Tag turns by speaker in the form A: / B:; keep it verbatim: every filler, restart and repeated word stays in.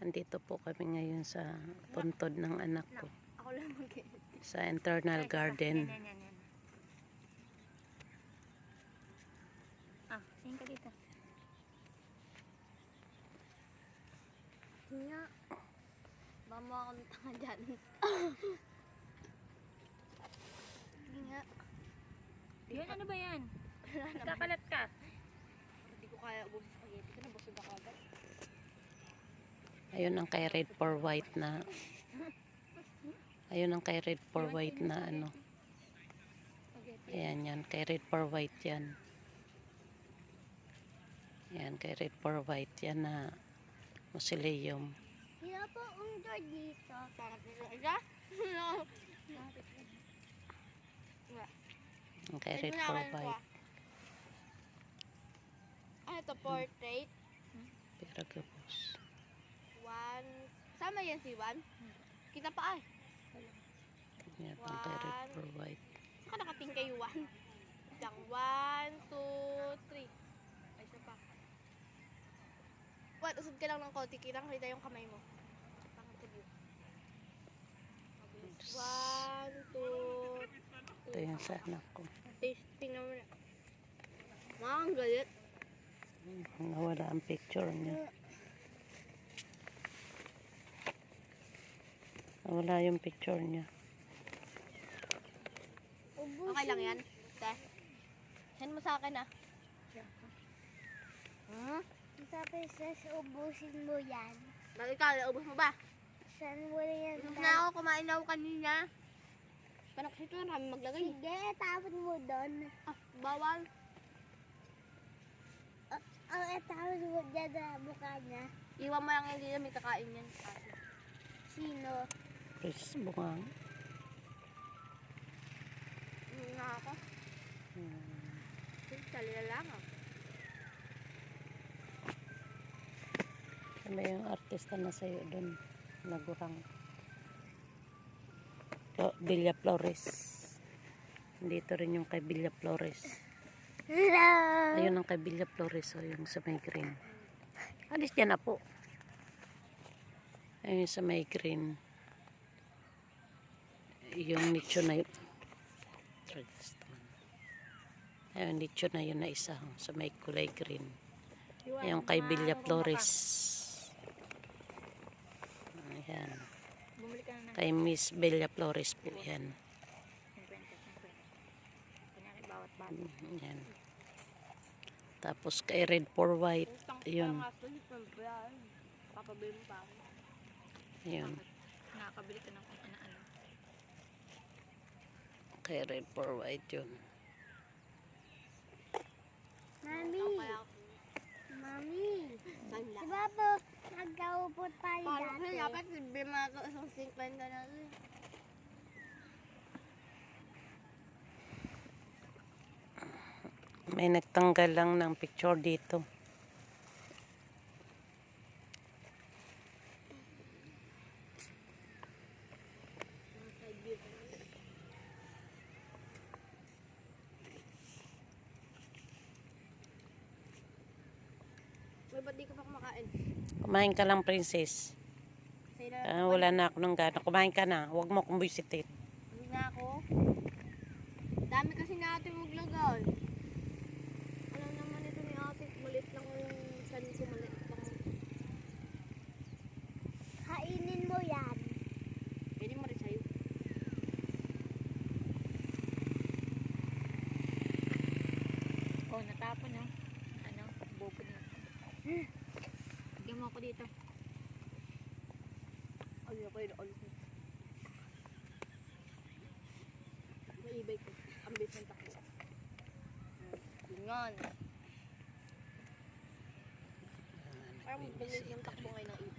A: Andito po kami ngayon sa puntod ng anak ko.
B: Ako lang mag-edit.
A: Sa internal garden.
B: Yan, yan, yan, yan. Ah, tingin ka dito. Nga. Mama ako ng tanga dyan. Nga.
C: Yun, ano ba yan? Kakalat ka.
B: Hindi ko kaya ubos sa spaghetti. Ka nabusog ako agad.
A: Ayun ang kay red for white na ayun ang kay red for white na ano. Ayan yan, kay red for white yan. Ayan, kay red for white yan na mausoleum.
B: Sino po ang door dito? Parang dito isa? No.
A: Ang kay red for white.
B: Ano ito? Portrait?
A: Pero gabos.
B: One. Sama yan si Juan? Kita pa ay.
A: Ayan, ang kay red for white.
B: Saka nakating kay Juan. Isang one, two, three. Ay, isa pa. Juan, usod ka lang ng konti. Kitang kita yung kamay mo. Pang-interview. One, two,
A: Ito yung sa anak ko.
B: tasting naman na. Ma, ang galit.
A: Nawala ang picture niya. Nawala yung picture niya.
B: Okay lang yan. Te. Send mo sa akin ah. Hmm?
D: Sabi sis, ubusin mo yan.
B: Bakit ka? Ubus mo ba?
D: Saan mo na yan?
B: Ubus na ako. Kumain na ako kanina. Panak sito na kami maglagay.
D: Sige, tapon mo doon.
B: Ah, bawal.
D: Ang tapon mo dyan na mukha niya.
B: Iwan mo lang hindi na may kakain yan. Ah,
D: Sino?
A: Chris Bungang.
B: Hindi na ako.
A: Hmm.
B: Salila lang ah.
A: Ano yung artista na sa'yo doon? Nagurang. Oh, Villa Flores. Dito rin yung kay Villa Flores.
D: Hello!
A: Ayun ang kay Villa Flores. O yung sa may green. Alis dyan na po. Ayun sa may green. Yung nicho na yun. Ayun, nicho na yun na isa. Sa may kulay green. Yung kay Villa Flores. Ayan.
C: Bumili ka na ng
A: Kay Miss Villa Flores po yan.
C: fifty, fifty. Kunyari, bawat bata.
A: Ayan. Tapos kay red for white. Yun.
B: Papabili mo pa ako.
A: Yun.
C: Nakakabili ka ng kung ano-ano.
A: Kay red for white yun.
D: Mami! Mami!
B: Saan
D: Di
B: lang?
D: ba po, nagkaupot tayo
B: Paano
D: dati?
B: kaya dapat libre mga ito isang cinquenta na rin.
A: May nagtanggal lang ng picture dito.
B: Uy, ba't di ka pa kumakain?
A: Kumain ka lang, princess.
B: Sa'yo na
A: Ah, wala na ako ng gana. Kumain ka na. Huwag mo akong buisitin.
B: Hindi na ako. Dami kasi natin maglagay. Alam naman ito ni ate, malit lang yung san ko, malit lang.
D: Kainin mo yan.
B: Pwede mo rin sa'yo.
C: Oh, natapon no? Ano? Bobo na. Bigyan mo ako dito.
B: Ay, ako yun, ulit mo. Maibay ko. Ang base ng takbo. Ganyan. Parang bilis yung takbo ngayon ng ibay.